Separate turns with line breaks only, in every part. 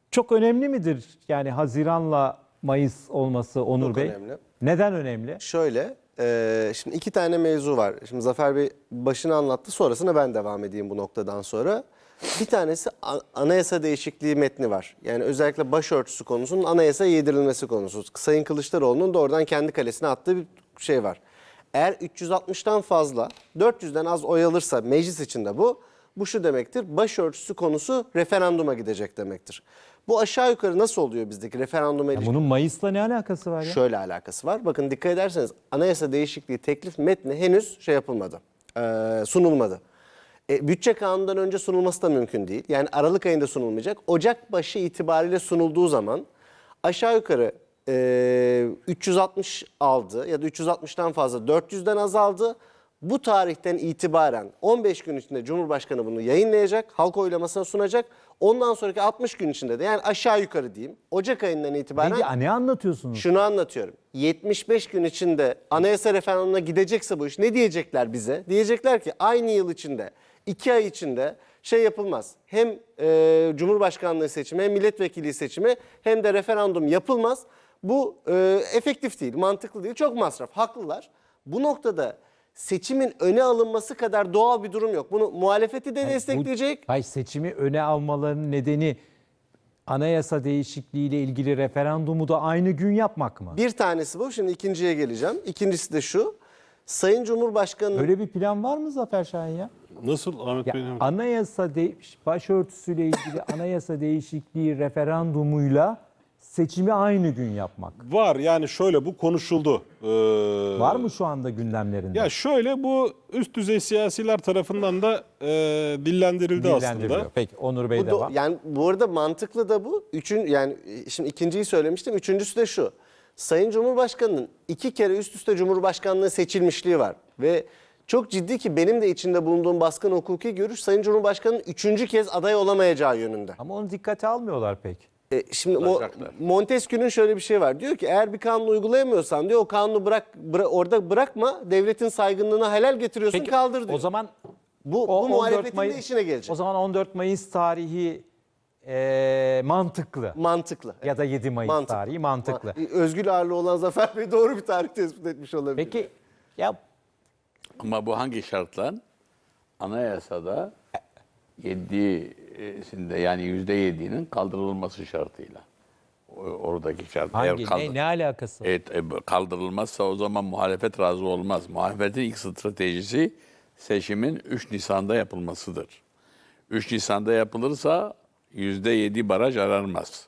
Çok önemli midir yani Haziran'la Mayıs olması Onur
Çok
Bey?
önemli.
Neden önemli?
Şöyle, şimdi iki tane mevzu var. Şimdi Zafer Bey başını anlattı, sonrasına ben devam edeyim bu noktadan sonra. Bir tanesi anayasa değişikliği metni var. Yani özellikle başörtüsü konusunun anayasaya yedirilmesi konusu. Sayın Kılıçdaroğlu'nun da oradan kendi kalesine attığı bir şey var. Eğer 360'tan fazla, 400'den az oy alırsa meclis içinde bu şu demektir: başörtüsü konusu referanduma gidecek demektir. Bu aşağı yukarı nasıl oluyor bizdeki referanduma ilişkin?
Bunun Mayıs'la ne alakası var ya?
Şöyle alakası var. Bakın dikkat ederseniz anayasa değişikliği teklif metni henüz şey yapılmadı, sunulmadı. Bütçe kanunundan önce sunulması da mümkün değil. Yani Aralık ayında sunulmayacak. Ocak başı itibariyle sunulduğu zaman aşağı yukarı 360 aldı ya da 360'tan fazla 400'den azaldı. Bu tarihten itibaren 15 gün içinde Cumhurbaşkanı bunu yayınlayacak, halk oylamasına sunacak. Ondan sonraki 60 gün içinde de, yani aşağı yukarı diyeyim, Ocak ayından itibaren
Peki ne anlatıyorsunuz?
şunu anlatıyorum. 75 gün içinde anayasa referandumuna gidecekse bu iş, ne diyecekler bize? Diyecekler ki aynı yıl içinde, 2 ay içinde şey yapılmaz. Hem Cumhurbaşkanlığı seçimi, hem milletvekili seçimi, hem de referandum yapılmaz. Bu efektif değil, mantıklı değil, çok masraf. Haklılar. Bu noktada seçimin öne alınması kadar doğal bir durum yok. Bunu muhalefeti de destekleyecek.
Hayır, seçimi öne almalarının nedeni anayasa değişikliğiyle ilgili referandumu da aynı gün yapmak mı?
Bir tanesi bu. Şimdi ikinciye geleceğim. İkincisi de şu: Sayın Cumhurbaşkanı
Öyle bir plan var mı Zafer Şahin ya?
Nasıl Ahmet
Ya
Bey?
başörtüsüyle ilgili anayasa değişikliği referandumuyla seçimi aynı gün yapmak.
Var, yani şöyle, bu konuşuldu.
Var mı şu anda gündemlerinde?
Ya şöyle, bu üst düzey siyasiler tarafından da dillendirildi
Dillendiriliyor.
aslında.
Peki Onur Bey
bu
devam.
yani bu arada mantıklı da bu. Yani şimdi ikinciyi söylemiştim. Üçüncüsü de şu: Sayın Cumhurbaşkanı'nın 2 kere üst üste Cumhurbaşkanlığı seçilmişliği var. Ve çok ciddi, ki benim de içinde bulunduğum baskın hukuki görüş, Sayın Cumhurbaşkanı'nın 3. kez aday olamayacağı yönünde.
Ama onu dikkate almıyorlar pek.
Şimdi Montesquieu'nun şöyle bir şey var. Diyor ki eğer bir kanunu uygulayamıyorsan diyor, o kanunu orada bırakma, devletin saygınlığına halel getiriyorsun,
Peki,
kaldır diyor.
o zaman
bu
14
muhalefetin
Mayıs,
de işine gelecek.
O zaman 14 Mayıs tarihi mantıklı.
Mantıklı.
Ya da 7 Mayıs tarihi mantıklı.
Özgül ağırlığı olan Zafer Bey doğru bir tarih tespit etmiş olabilir.
Peki ya
Ama bu hangi şartla? Anayasada 7'sinde, yani %7'nin kaldırılması şartıyla. Oradaki şart.
ne alakası var?
Kaldırılmazsa o zaman muhalefet razı olmaz. Muhalefetin ilk stratejisi seçimin 3 Nisan'da yapılmasıdır. 3 Nisan'da yapılırsa %7 baraj aranmaz.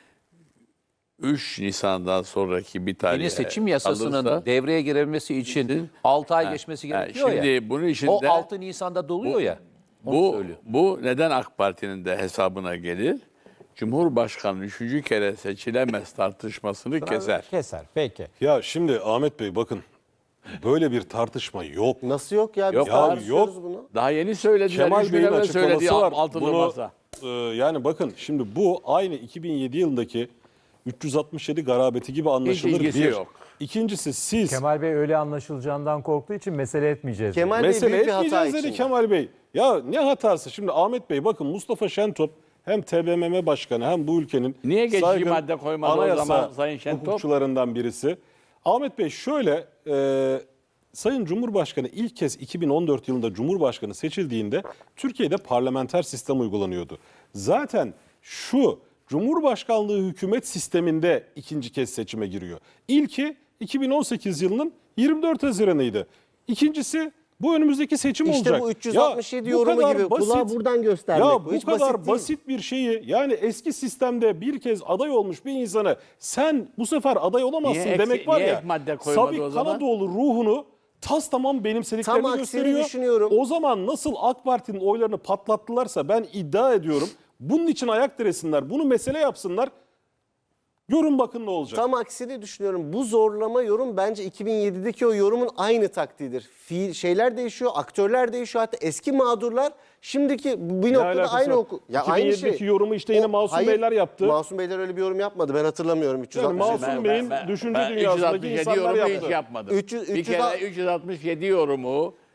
3 Nisan'dan sonraki bir tarih
Yeni seçim yasasının devreye girebilmesi için 6 ay geçmesi gerekiyor
şimdi
ya.
bunun içinde
O 6 Nisan'da doluyor ya.
Bu neden AK Parti'nin de hesabına gelir? Cumhurbaşkanı 3. kere seçilemez tartışmasını keser.
Keser. Peki.
Ya şimdi Ahmet Bey, bakın, böyle bir tartışma yok.
Nasıl yok ya? Biz
Yok,
tartışıyoruz
yok.
bunu.
Daha yeni söylediler.
Kemal
üç gün
Bey'in
evvel söylediği
açıklaması var.
altılı
Bunu,
masa.
yani bakın, şimdi bu aynı 2007 yılındaki 367 garabeti gibi anlaşılır.
ilgisi
Bir.
yok.
İkincisi, siz
Kemal Bey öyle anlaşılacağından korktuğu için mesele etmeyeceğiz.
Kemal Bey
mesele
büyük bir hata
etmeyeceğiz dedi
içinde.
Kemal Bey. Ya ne hatası? Şimdi Ahmet Bey, bakın, Mustafa Şentop hem TBMM Başkanı hem bu ülkenin
Niye geçici
saygın
madde koymadı o
anayasa
zaman Sayın Şentop?
hukukçularından birisi. Ahmet Bey şöyle, Sayın Cumhurbaşkanı ilk kez 2014 yılında Cumhurbaşkanı seçildiğinde Türkiye'de parlamenter sistem uygulanıyordu. Zaten şu Cumhurbaşkanlığı hükümet sisteminde ikinci kez seçime giriyor. İlki 2018 yılının 24 Haziran'ıydı. İkincisi bu önümüzdeki seçim
İşte
olacak.
bu 367
bu
yorumu
kadar
gibi kulağı buradan göstermek.
Ya bu
hiç
kadar
basit değil.
basit bir şeyi, yani eski sistemde bir kez aday olmuş bir insanı sen bu sefer aday olamazsın
Niye
demek var
niye
ya.
ek madde koymadı
Sabit
o zaman?
Kanadoğlu ruhunu tas tamam benimsediklerini
Tam aksini
gösteriyor.
düşünüyorum.
O zaman nasıl AK Parti'nin oylarını patlattılarsa, ben iddia ediyorum bunun için ayak diresinler, bunu mesele yapsınlar. Görün bakın ne olacak.
Tam aksini düşünüyorum. Bu zorlama yorum bence 2007'deki o yorumun aynı taktiğidir. Şeyler değişiyor, aktörler değişiyor, hatta eski mağdurlar şimdiki bir noktada
alakası
aynı
var?
oku. Ya aynı
2007'deki
şey.
yorumu işte yine Masum
Hayır,
Beyler yaptı.
Masum Beyler öyle bir yorum yapmadı. Ben hatırlamıyorum. 360.
Yani Masum Bey'in düşünce dünyasındaki
367
insanlar
yorumu
yaptı.
hiç yapmadım.
300
Bir kere 367 yorumu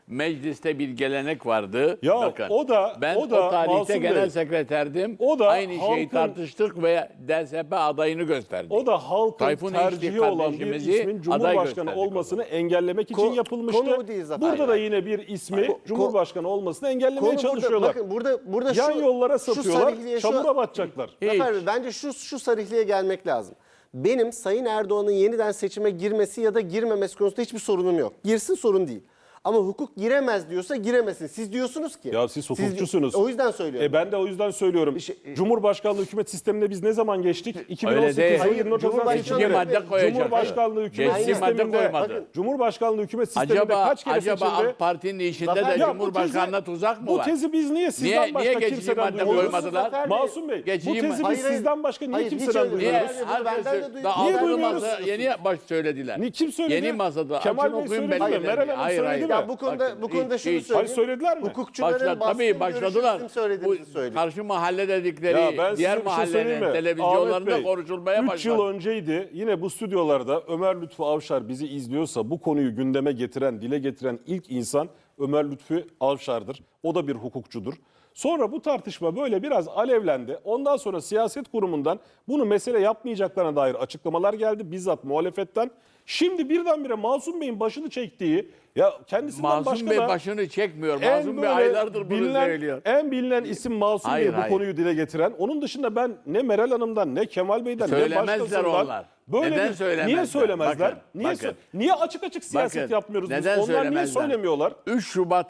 Mecliste bir gelenek vardı.
Ya
Bakın,
o da-
ben
o da
tarihte
Masum
genel
Bey,
sekreterdim.
o da
aynı şeyi
halkın-
tartıştık ve DSP adayını gösterdik.
O da halkın
Tayfun
tercihi
İşçi
olan bir
kardeşimizi
ismin
aday
Cumhurbaşkanı
gösterdik
olmasını engellemek için
Konu
yapılmıştı.
bu değil Zafer
Burada da
Bey.
yine bir ismi
Ko-
Cumhurbaşkanı olmasını engellemeye
Konu burada,
çalışıyorlar.
bakın burada
Yan yollara
şu
sapıyorlar,
sarihliğe
çamura batacaklar.
Zafer Bey, bence şu sarihliğe gelmek lazım. Benim Sayın Erdoğan'ın yeniden seçime girmesi ya da girmemesi konusunda hiçbir sorunum yok. Girsin, sorun değil. Ama hukuk giremez diyorsa giremesin. Siz diyorsunuz ki.
Ya siz hukukçusunuz.
O yüzden söylüyorum.
Ben de o yüzden söylüyorum. Cumhurbaşkanlığı hükümet sistemine biz ne zaman geçtik? 2018
değil.
yılı 24 Haziran
Cumhurbaşkanlığı-
seçimleri.
Geçici madde koyacak.
Cumhurbaşkanlığı hükümet
Geçici madde
sisteminde,
koymadı.
Cumhurbaşkanlığı hükümet sisteminde
Acaba
kaç kere
acaba
seçildi?
AK Parti'nin işinde
Zafer-
de
Ya
bu
Cumhurbaşkanlığına
tezi-
tuzak mı
Bu
var?
tezi biz niye sizden
Niye
başka
geçici
kimseden
madde
duymuyoruz?
koymadılar?
Zafer Bey,
Masum Bey,
geçici
bu tezi
madde-
biz sizden başka niye
Hayır, hiç
kimseden
öyle değil.
Niye?
duymuyoruz?
Yani bunu benden de
Herkes,
duydum.
daha
Niye
altılı
duymuyoruz?
masa yeni baş söylediler.
Kim söyledi?
Yeni masada.
Kemal
Açın
Bey
okuyun
söyledi mi?
belgelerini.
Meral Hanım
Hayır,
söyledi
hayır.
mi?
Ya bu konuda şunu
hiç.
söyleyeyim.
Hayır, söylediler mi?
Hukukçuların baskın
Tabii başladılar.
görüşü bizim söylediğimizi
Bu
söyledi.
karşı mahalle
Ya
dedikleri
ben size
diğer
bir şey söyleyeyim
mahallenin
mi?
televizyonlarında
Ahmet Bey,
konuşulmaya
3
başladı.
yıl önceydi yine bu stüdyolarda Ömer Lütfü Avşar bizi izliyorsa bu konuyu gündeme getiren, dile getiren ilk insan Ömer Lütfü Avşar'dır. O da bir hukukçudur. Sonra bu tartışma böyle biraz alevlendi. Ondan sonra siyaset kurumundan bunu mesele yapmayacaklarına dair açıklamalar geldi bizzat muhalefetten. Şimdi birdenbire Masum Bey'in başını çektiği, ya kendisinden
Masum
başka
Bey
da
başını çekmiyor.
en
Masum Bey
böyle
aylardır bunu
bilinen,
söylüyor.
en bilinen isim Masum
Hayır,
Bey bu
hayır.
konuyu dile getiren. Onun dışında ben ne Meral Hanım'dan ne Kemal Bey'den ne
Söylemezler
başkasından
onlar.
böyle
Neden
bir
söylemezler?
niye söylemezler?
Bakın,
niye
bakın.
niye açık açık siyaset
Bakın,
yapmıyoruz biz?
neden
Onlar niye
söylemezler?
söylemiyorlar?
3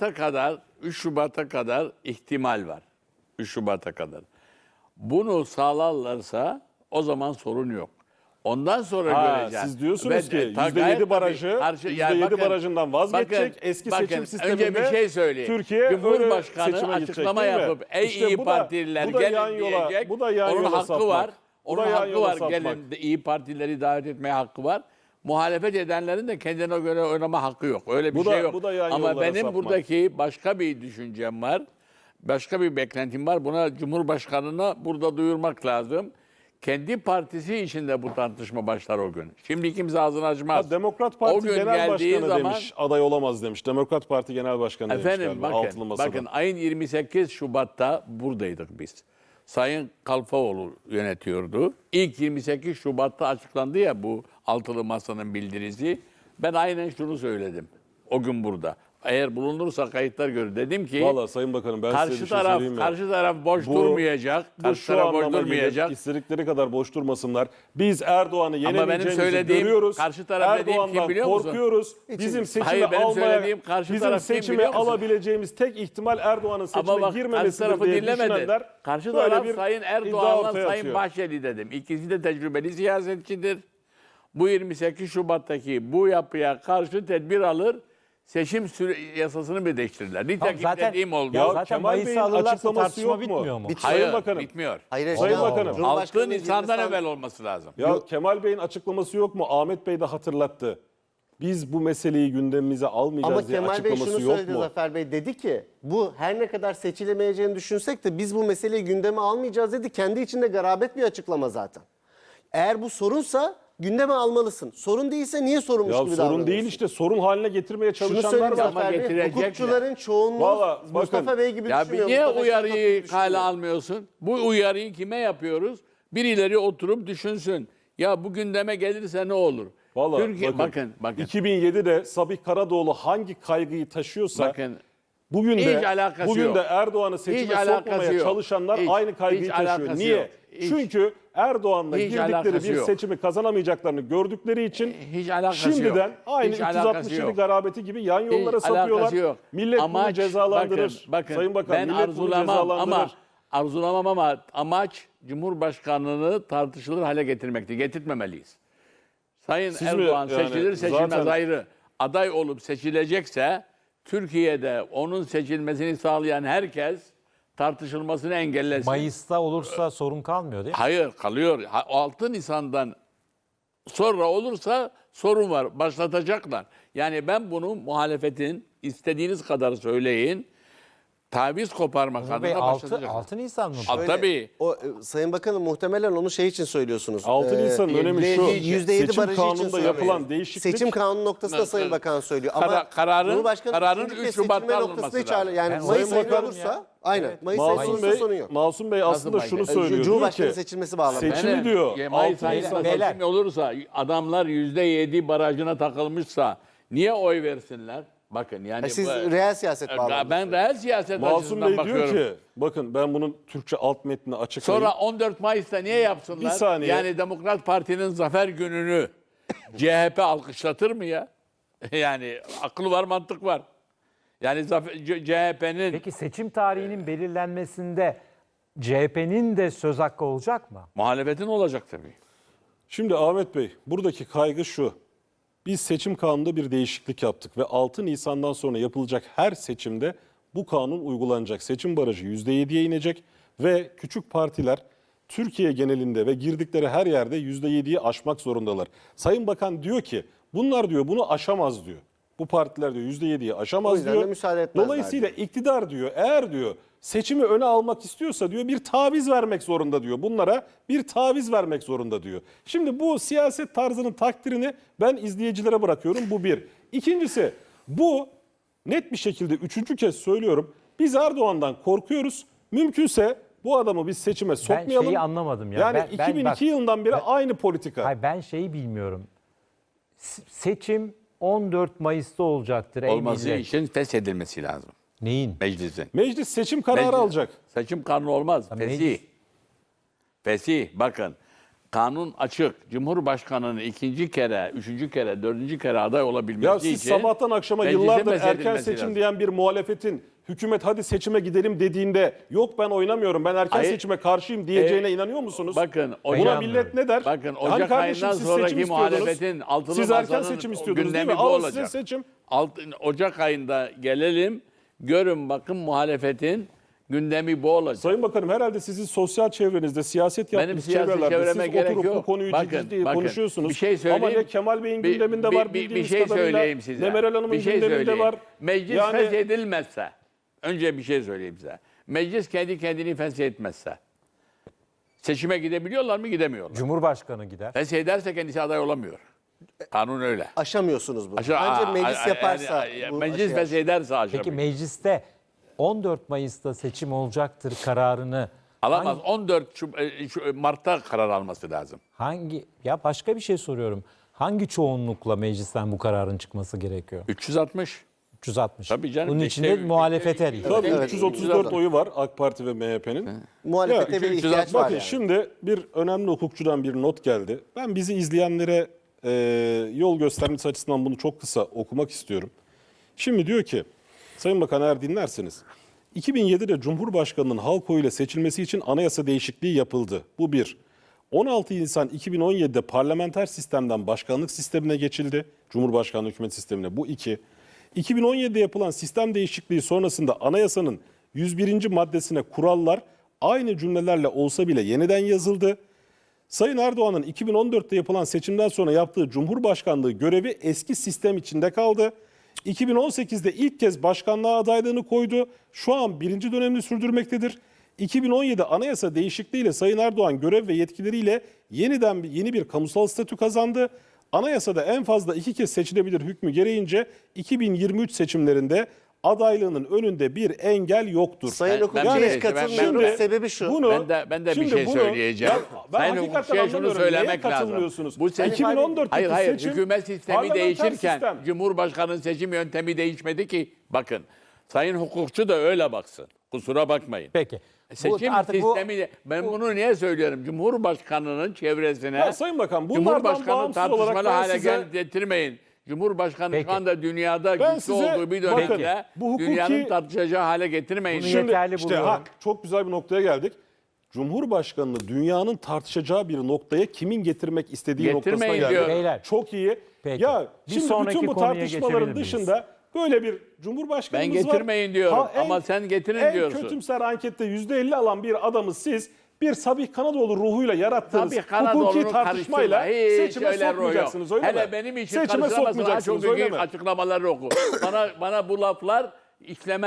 Şubat'a kadar ihtimal var. 3 Şubat'a kadar. Bunu sağlarlarsa o zaman sorun yok. Ondan sonra
Ha,
göreceğiz.
siz diyorsunuz ki
gayet
%7
tabii
barajı,
yani
%7 barajından vazgeçecek.
bakın,
Eski
bakın,
seçim sisteminde
önce bir şey söyleyeyim.
Türkiye öyle
Cumhurbaşkanı
seçime gidecek,
açıklama
değil mi?
yapıp ey
İşte
iyi
bu da-
partililer
bu da yan
gelin
yola-
diyecek.
bu da yan
Onun
yola
hakkı
sapmak.
var.
Bu da
Onun
yan
hakkı
yola
var.
sapmak.
Gelin iyi partileri davet etmeye hakkı var. Muhalefet edenlerin de kendine göre oynama hakkı yok. Öyle bir
Bu da-
şey yok.
bu da yan
Ama
yollara
benim
sapmak.
buradaki başka bir düşüncem var. Başka bir beklentim var. Buna Cumhurbaşkanı'na burada duyurmak lazım. Kendi partisi içinde bu tartışma başlar o gün. Şimdi kimse ağzını açmaz.
Demokrat
O
Parti
gün
Genel
geldiği
Başkanı
zaman-
demiş, aday olamaz demiş. Demokrat Parti Genel Başkanı demiş
Efendim
galiba, altılı
bakın,
masada.
bakın ayın 28 Şubat'ta buradaydık biz. Sayın Kalfaoğlu yönetiyordu. İlk 28 Şubat'ta açıklandı ya bu altılı masanın bildirisi. Ben aynen şunu söyledim o gün burada. Eğer bulunursa kayıtlar görür. Dedim ki
Vallahi Sayın Bakanım ben size bir şey söyleyeyim mi?
karşı taraf boş durmayacak.
Bu
Karşı
şu
taraf boş
anlama
durmayacak.
gelir, istedikleri kadar boş durmasınlar. Biz Erdoğan'ı
benim
yenemeyeceğimizi
söylediğim,
görüyoruz.
karşı taraf dediğim kim
Erdoğan'dan
biliyor musun?
korkuyoruz. Bizim seçimi
Hayır, benim
almaya,
söylediğim karşı
bizim
taraf kim
seçimi
biliyor musun?
alabileceğimiz tek ihtimal Erdoğan'ın seçime
Ama bak karşı
girmemesidir
tarafı
diye
dinlemedi.
düşünenler
Karşı
böyle
taraf
bir
Sayın
iddia
Erdoğan'la
ortaya
Sayın
atıyor.
Bahçeli dedim. İkisi de tecrübeli siyasetçidir. Bu 28 Şubat'taki bu yapıya karşı tedbir alır. Seçim yasasını bir değiştirirler. Nitekim
zaten-
dediğim oldu.
Ya
Zaten
Kemal Bey'in
Mayıs'ı alırlarsa
açıklaması
tartışma
yok mu?
bitmiyor mu?
Hayır,
Sayın Bakanım.
bitmiyor.
Hayır,
Sayın
Allah
Bakanım.
Allah.
6
Cumhurbaşkanı
Nisan'dan
girmesi-
evvel olması lazım.
Ya Kemal Bey'in açıklaması yok mu? Ahmet Bey de hatırlattı. Biz bu meseleyi gündemimize almayacağız
Ama
diye
Kemal Bey
açıklaması
şunu
yok
söyledi
mu?
Zafer Bey. Dedi ki bu her ne kadar seçilemeyeceğini düşünsek de biz bu meseleyi gündeme almayacağız dedi. Kendi içinde garabet bir açıklama zaten. Eğer bu sorunsa gündeme almalısın. Sorun değilse niye sorunmuş
Ya
gibi
sorun
davranıyorsun?
değil işte, sorun haline getirmeye
Şunu
çalışanlar
söyleyeyim
var.
Zafer Bey.
getirecekler.
Hukukçuların çoğunluğu
Vallahi
Mustafa
bakın,
Bey gibi
Ya bir
düşünüyor.
niye
Mustafa Şentop gibi
uyarıyı
düşünüyor.
kale almıyorsun? Bu uyarıyı kime yapıyoruz? Birileri oturup düşünsün. Ya bu gündeme gelirse ne olur?
Vallahi
Türkiye, bakın.
2007'de Sabih Karadoğlu hangi kaygıyı taşıyorsa
Bakın.
bugün
Hiç
de
alakası
bugün
yok.
de Erdoğan'ı
Hiç
seçime
alakası
sokmaya
yok.
çalışanlar
Hiç,
aynı kaygıyı
hiç
taşıyor.
alakası
Niye?
yok. Hiç.
Çünkü Erdoğan'la
Hiç
girdikleri
alakası
bir
yok.
seçimi kazanamayacaklarını gördükleri için
Hiç alakası
şimdiden
yok.
aynı
Hiç alakası
367
yok.
garabeti gibi yan yollara
Hiç alakası
sapıyorlar.
yok.
Millet bunu
Amaç,
cezalandırır.
Bakın,
Sayın Bakan,
ben
millet bunu
arzulamam ama amaç Cumhurbaşkanlığını tartışılır hale getirmekti. Getirtmemeliyiz. Sayın
Siz mi
Erdoğan
yani
seçilir seçilmez
zaten-
ayrı. Aday olup seçilecekse Türkiye'de onun seçilmesini sağlayan herkes tartışılmasını engellesin.
Mayıs'ta olursa sorun kalmıyor değil mi?
Hayır kalıyor. 6 Nisan'dan sonra olursa sorun var. Başlatacaklar. Yani ben bunu muhalefetin istediğiniz kadar söyleyin. taviz koparmak
Umur Bey,
adına
6
başlatacak.
Nisan mı?
Al, tabii.
Sayın Bakanım muhtemelen onu şey için söylüyorsunuz.
6 Nisan'ın önemi şu.
%7
Seçim
barajı için
kanununda
söylüyor.
yapılan değişiklik.
Seçim kanunu noktasında Sayın Bakan söylüyor. Ama
Kararın
Cumhurbaşkanı
3
üçüncü
Şubat'ta
seçilme
alınması
noktasında hiç
lazım.
yani
Ben
Mayıs
Sayın
ayında
Bakan-
olursa aynen. Mayıs ayında
Masum
olursa sorun yok.
Masum Bey aslında
Nasıl
şunu
Mayıs?
söylüyor. Diyor
Cumhurbaşkanı
ki
seçilmesi bağlamında.
seçimi diyor.
Mayıs
6
ayında
Nisan.
Beyler.
seçim olursa adamlar %7 barajına takılmışsa niye oy versinler? Bakın yani
Siz reel siyaset bağlamında.
ben reel siyaset
Masum
açısından
Bey diyor
bakıyorum.
ki bakın ben bunun Türkçe alt metnini açıklayayım.
Sonra 14 Mayıs'ta niye yapsınlar?
Bir saniye.
Yani Demokrat Parti'nin zafer gününü CHP alkışlatır mı ya? Yani aklı var, mantık var. Yani CHP'nin
Peki seçim tarihinin belirlenmesinde CHP'nin de söz hakkı olacak mı?
muhalefetin olacak tabii.
Şimdi Ahmet Bey buradaki kaygı şu. Biz seçim kanununda bir değişiklik yaptık ve 6 Nisan'dan sonra yapılacak her seçimde bu kanun uygulanacak. Seçim barajı %7'ye inecek ve küçük partiler Türkiye genelinde ve girdikleri her yerde %7'yi aşmak zorundalar. Sayın Bakan diyor ki bunlar diyor bunu aşamaz diyor. Bu partiler diyor %7'yi
O
aşamaz
yüzden
diyor.
de müsaade etmezler
Dolayısıyla iktidar diyor eğer diyor seçimi öne almak istiyorsa diyor bir taviz vermek zorunda diyor. Bunlara bir taviz vermek zorunda diyor. Şimdi bu siyaset tarzının takdirini ben izleyicilere bırakıyorum. Bu bir. İkincisi bu net bir şekilde üçüncü kez söylüyorum. Biz Erdoğan'dan korkuyoruz. Mümkünse bu adamı biz seçime sokmayalım.
şeyi anlamadım ya.
Yani
Ben
2002
bak-
yılından beri aynı politika.
Hayır, ben şeyi bilmiyorum. Seçim 14 Mayıs'ta olacaktır. ey
Olması
millet.
için feshedilmesi lazım
Neyin?
meclisin.
Meclis seçim kararı alacak.
Seçim kanunu olmaz.
Ya
Fesih.
meclis-
Fesih. Bakın kanun açık. Cumhurbaşkanının ikinci kere, üçüncü kere, dördüncü kere aday olabilmesi
Ya
için...
siz sabahtan akşama
meclisin
yıllardır erken
feshedilmesi
seçim
lazım.
diyen bir muhalefetin hükümet hadi seçime gidelim dediğinde yok ben oynamıyorum ben erken
Hayır.
seçime karşıyım diyeceğine inanıyor musunuz?
Bakın
Buna
Ocak-
millet ne der?
Bakın
Hani
Ocak
kardeşim
ayından
siz
sonraki
seçim istiyordunuz.
muhalefetin altılı
Siz erken
masanın
seçim istiyordunuz değil mi?
gündemi bu
Alın size
olacak.
seçim.
Ocak ayında gelelim, görün bakın muhalefetin gündemi bu olacak.
Sayın Bakanım herhalde sizin sosyal çevrenizde siyaset
Benim
yaptığınız
siyasi
çevrelerde
çevreme
siz
gerek
oturup bu
yok.
konuyu ciddi
Bakın,
konuşuyorsunuz.
bir şey söyleyeyim.
Ama ne Kemal Bey'in gündeminde var bildiğiniz
şey
kadarıyla.
söyleyeyim size.
Ne Meral Hanım'ın
Bir şey
gündeminde
söyleyeyim.
var.
Meclis
Yani
feshedilmezse, önce bir şey söyleyeyim size. Meclis kendi kendini feshetmezse, seçime gidebiliyorlar mı? Gidemiyorlar.
Cumhurbaşkanı gider.
Feshederse kendisi aday olamıyor. Kanun öyle.
Aşamıyorsunuz bunu.
Aşağı-
Bence meclis yaparsa bu
meclis
aşar.
feshederse aşamıyor.
Peki mecliste 14 Mayıs'ta seçim olacaktır kararını
Alamaz. 14 Mart'ta karar alması lazım.
ya başka bir şey soruyorum. Hangi çoğunlukla meclisten bu kararın çıkması gerekiyor?
360.
360.
Tabii canım,
Bunun
işte
içinde muhalefet her
tabii
Evet,
334 oyu var AK Parti ve MHP'nin.
Muhalefete
Ya,
bir
360
ihtiyaç var
Bakın
yani.
şimdi bir önemli hukukçudan bir not geldi. Ben bizi izleyenlere yol göstermesi açısından bunu çok kısa okumak istiyorum. Şimdi diyor ki, Sayın Bakan eğer dinlerseniz, 2007'de Cumhurbaşkanı'nın halk oyuyla seçilmesi için anayasa değişikliği yapıldı. Bu bir. 16 Nisan 2017'de parlamenter sistemden başkanlık sistemine geçildi. Cumhurbaşkanlığı hükümet sistemine. Bu iki. 2017'de yapılan sistem değişikliği sonrasında anayasanın 101. maddesine kurallar aynı cümlelerle olsa bile yeniden yazıldı. Sayın Erdoğan'ın 2014'te yapılan seçimden sonra yaptığı Cumhurbaşkanlığı görevi eski sistem içinde kaldı. 2018'de ilk kez başkanlığa adaylığını koydu. Şu an birinci dönemini sürdürmektedir. 2017 anayasa değişikliğiyle Sayın Erdoğan görev ve yetkileriyle yeni bir kamusal statü kazandı. Anayasada en fazla 2 kez seçilebilir hükmü gereğince 2023 seçimlerinde adaylığının önünde bir engel yoktur.
Sayın
Ben-
hukukçuya
ben-
hiç katılmıyorum.
Şimdi
Sebebi şu.
Ben de bir
şimdi
şey
bunu-
söyleyeceğim.
Ya, ben
Sayın
hakikaten
hukukçuya şunu
anlamıyorum. Neye
söylemek lazım.
katılmıyorsunuz?
Bu seçim,
2014'teki
hayır,
seçim
hükümet sistemi
parlamenter
değişirken
sistem.
Cumhurbaşkanı'nın seçim yöntemi değişmedi ki. Bakın, sayın hukukçu da öyle baksın. Kusura bakmayın.
Peki.
Seçim sistemi, ben bunu niye söylüyorum? Cumhurbaşkanı'nın çevresine,
Ya Sayın Bakan, bunlardan
Cumhurbaşkanı
bağımsız olarak
tartışmalı
ben
hale
size-
getirmeyin. Cumhurbaşkanı
Peki.
şu anda dünyada
Ben
güçlü
size-
olduğu bir
bakın,
dönemde
bu hukuki-
dünyanın tartışacağı hale getirmeyin.
Bunu
Şimdi
yeterli
işte
buluyorum.
çok güzel bir noktaya geldik. Cumhurbaşkanını dünyanın tartışacağı bir noktaya kimin getirmek istediği
Getirmeyin
noktasına geldik.
diyor.
Beyler.
Çok iyi.
Peki.
Ya
Bir
şimdi
sonraki
bütün bu
konuya
tartışmaların
geçebilir miyiz?
dışında böyle bir cumhurbaşkanımız
Ben
var.
getirmeyin diyorum ama sen getirin diyorsun.
En kötümser ankette %50 alan bir adamı siz bir Sabih Kanadoğlu ruhuyla yarattığınız
Tabii Kanadoğlu'nu
hukuki tartışmayla
karıştırma. Hiç
seçime
öyle ruh yok.
sokmayacaksınız öyle mi?
Hele benim için
Seçime
karıştıramazsın. Ha,
sokmayacaksınız
çok
öyle
büyük
mi?
açıklamaları oku. bana bu laflar işlemez.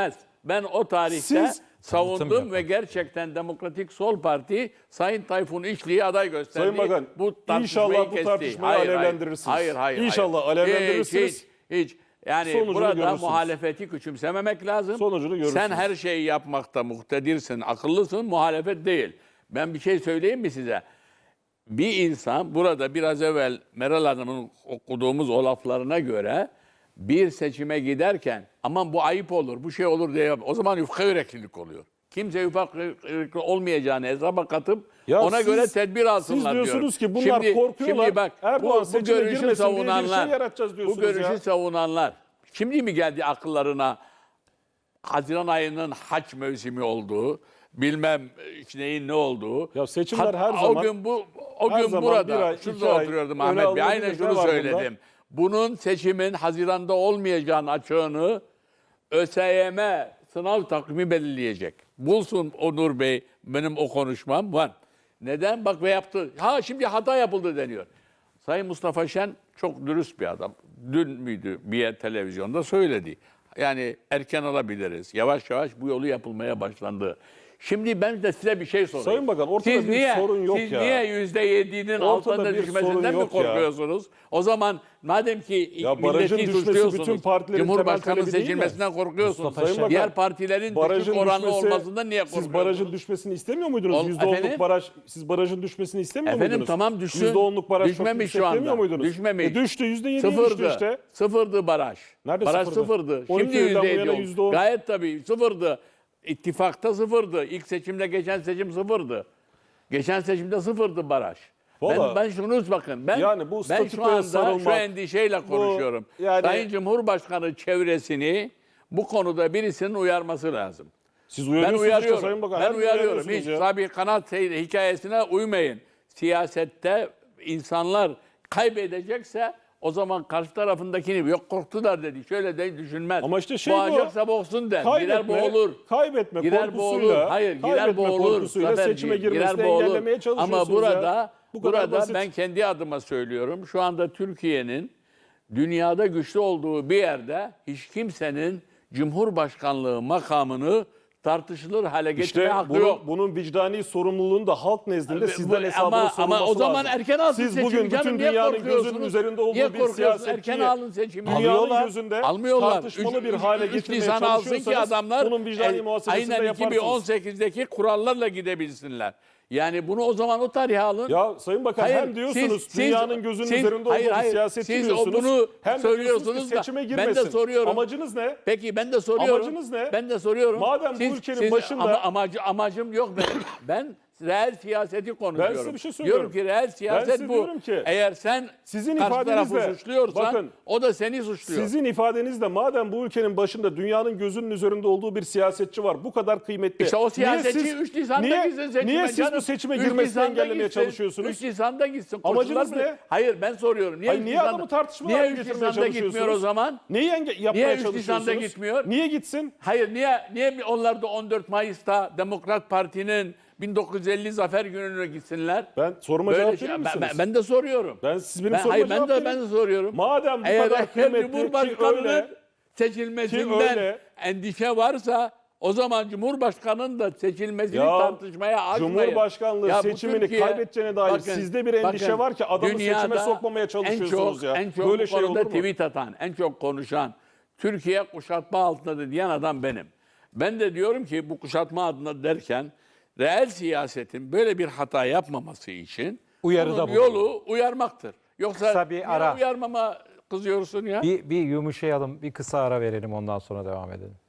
ben o tarihte
Siz-
savundum
Tanıtım
ve gerçekten Demokratik Sol Parti Sayın Tayfun İşli'yi aday gösterdi.
Sayın Bakan,
tartışmayı
inşallah bu
kesti.
tartışmayı alevlendirirsiniz.
Hayır.
İnşallah alevlendirirsiniz.
Hiç. Yani
Sonucunu
burada
görürsünüz.
muhalefeti küçümsememek lazım.
Sonucunu görürsünüz.
Sen her şeyi yapmakta muktedirsin, akıllısın, muhalefet değil. Ben bir şey söyleyeyim mi size? Bir insan burada biraz evvel Meral Hanım'ın okuduğumuz o laflarına göre bir seçime giderken aman bu ayıp olur, bu şey olur diye o zaman yufka yüreklilik oluyor. Kimse yufka yürekli olmayacağını hesaba katıp
Ya
ona
siz-
göre tedbir alsınlar
siz diyorsunuz
diyorum.
ki bunlar korkuyorlar.
Şimdi bak
Erdoğan
bu
seçime
görüşü
girmesin diye bir şey
savunanlar,
yaratacağız diyorsunuz
bu görüşü
ya.
savunanlar şimdi mi geldi akıllarına Haziran ayının haç mevsimi olduğu, bilmem neyin ne olduğu.
Ya seçimler her zaman-
O gün
her
gün
zaman
burada,
bir ay,
şurada
iki ay
oturuyordum
öne
Ahmet Bey.
alınabilir.
Aynen
Ne
şunu
var
söyledim. Bunun seçimin Haziran'da olmayacağını açığını ÖSYM sınav takvimi belirleyecek. Bulsun Onur Bey benim o konuşmam var. Neden? Bak ve yaptı. Ha şimdi hata yapıldı deniyor. Sayın Mustafa Şen çok dürüst bir adam. Dün müydü bir yer televizyonda söyledi. Yani erken alabiliriz. Yavaş yavaş bu yolu yapılmaya başlandı. Şimdi ben de size bir şey sorayım.
Sayın Bakan, ortada
Siz
bir sorun yok
siz
ya.
niye %7'nin altında
bir sorun
düşmesinden mi
yok ya.
korkuyorsunuz? O zaman madem ki
Ya barajın
milleti
düşmesi
suçluyorsunuz,
bütün partilerin
Cumhurbaşkanı
temel talebi değil mi?
seçilmesinden korkuyorsunuz.
Mustafa Şen-
Diğer partilerin düşük oranlı olmasından niye korkuyorsunuz?
Siz barajın düşmesini istemiyor muydunuz?
Efendim?
%10'luk baraj, siz barajın düşmesini istemiyor
Efendim
muydunuz?
tamam düşsün.
%10'luk baraj çok
Düşmemiş
yüksek
şu anda.
demiyor muydunuz?
Düşmemiş.
Düştü, %7'ye
Sıfırdı.
düştü işte.
Sıfırdı baraj.
Nerede
baraj
sıfırdı?
sıfırdı.
12
Şimdi
yıldan bu
%7
yana
oldu.
%10.
Gayet tabii sıfırdı. İttifakta sıfırdı. İlk seçimde geçen seçim sıfırdı. Geçen seçimde sıfırdı baraj.
Vallahi-
Ben şunu bakın.
Yani bu
Ben şu
statükoya
anda şu
sarılmak,
endişeyle konuşuyorum.
yani-
Sayın Cumhurbaşkanı çevresini bu konuda birisinin uyarması lazım.
Siz
Ben
uyarıyorsunuz işte
uyarıyorum.
Sayın Bakan.
Ben
her gün
uyarıyorum.
uyarıyorsunuz
Hiç
ya.
tabii kanat hikayesine uymayın. Siyasette insanlar kaybedecekse o zaman karşı tarafındakini yok korktular dedi. Şöyle de düşünmez.
Ama işte şey bu.
Boğacaksa boğsun der. Girer boğulur.
Kaybetme
Girer boğulur.
korkusuyla,
Hayır girer
kaybetme
boğulur.
korkusuyla
Zaferciğim,
seçime
girer
girmesini
boğulur.
engellemeye çalışıyorsunuz
Ama burada
ya. Bu kadar basit.
ben kendi adıma söylüyorum. Şu anda Türkiye'nin dünyada güçlü olduğu bir yerde hiç kimsenin Cumhurbaşkanlığı makamını tartışılır hale getirmeye
İşte
hakkı yok.
bunun vicdani sorumluluğunu da halk nezdinde sizden hesabını
ama
sorulması
o zaman
lazım.
erken alsın
Siz
seçimi
bugün
canım.
bütün
Niye
dünyanın
korkuyorsunuz?
gözünün üzerinde olduğu
Niye
bir
korkuyorsunuz?
siyasetçiyi
Erken alın seçimi.
dünyanın gözünde
Almıyorlar.
tartışmalı bir hale
3
getirmeye
Nisan alsın ki
çalışıyorsanız
adamlar
bunun vicdani muhasebesini de
aynen
yaparsınız.
2018'deki kurallarla gidebilsinler. Yani bunu o zaman o tarihe alın.
Ya Sayın Bakan
Hayır,
hem diyorsunuz
siz-
dünyanın gözünün
siz-
üzerinde
hayır,
olduğu bir
hayır.
siyasetçi
Siz
diyorsunuz.
bunu
Hem de
söylüyorsunuz
diyorsunuz ki
da
seçime
ben
girmesin.
de soruyorum.
Amacınız ne?
Peki ben de soruyorum.
Amacınız ne?
Ben de soruyorum.
Madem bu ülkenin başında-
amacım yok benim. Ben reel siyaseti konuşuyorum.
size bir şey söylüyorum.
Diyorum ki reel siyaset
size
bu.
diyorum ki,
Eğer sen
sizin
karşı tarafı
ifadenizle-
suçluyorsan
bakın,
o da seni suçluyor.
Sizin ifadenizle madem bu ülkenin başında dünyanın gözünün üzerinde olduğu bir siyasetçi var bu kadar kıymetli.
İşte o siyasetçi
Niye siz-
3 Nisan'da
niye-
gitsin seçime
Niye siz
canım.
bu seçime
3
girmesini
Nisan'da
engellemeye
gitsin,
çalışıyorsunuz?
3 Nisan'da gitsin.
Amacınız
Koşullar
ne?
Hayır ben soruyorum. Niye,
Hayır,
3
niye
Nisan'da-
adamı tartışmalı
niye
hale
3
getirmeye
Nisan'da gitmiyor o
çalışıyorsunuz?
zaman?
Neyi yapmaya
Niye 3
çalışıyorsunuz?
Nisan'da gitmiyor?
Niye gitsin?
Hayır niye onlar da 14 Mayıs'ta Demokrat Parti'nin 1950 Zafer Günü'ne gitsinler?
Ben soruma
Böyle
cevap
şey-
verir misiniz?
ben de soruyorum.
Siz benim soruma
hayır,
cevap
ben
verin.
de soruyorum.
Madem bu
Eğer
kadar kıymetli ki
Cumhurbaşkanı'nın
öyle,
seçilmesinden
ki öyle-
endişe varsa o zaman Cumhurbaşkanı'nın da seçilmesini
Ya,
tartışmaya açmayın.
Cumhurbaşkanlığı
Ya bu
seçimini
Türkiye-
kaybedeceğine dair
Bakın,
sizde bir endişe
bakın,
var ki adamı seçime
dünyada
sokmamaya çalışıyorsunuz ya.
En çok
Böyle
bu
şey
konuda
olur mu?
tweet atan, en çok konuşan, Türkiye kuşatma altındadır diyen adam benim. Ben de diyorum ki bu kuşatma altında derken reel siyasetin böyle bir hata yapmaması için
Uyarıda
bunun
bulunuyor.
yolu uyarmaktır. Yoksa
Kısa bir
niye
ara.
uyarmama kızıyorsun ya?
Bir yumuşayalım, bir kısa ara verelim ondan sonra devam edelim.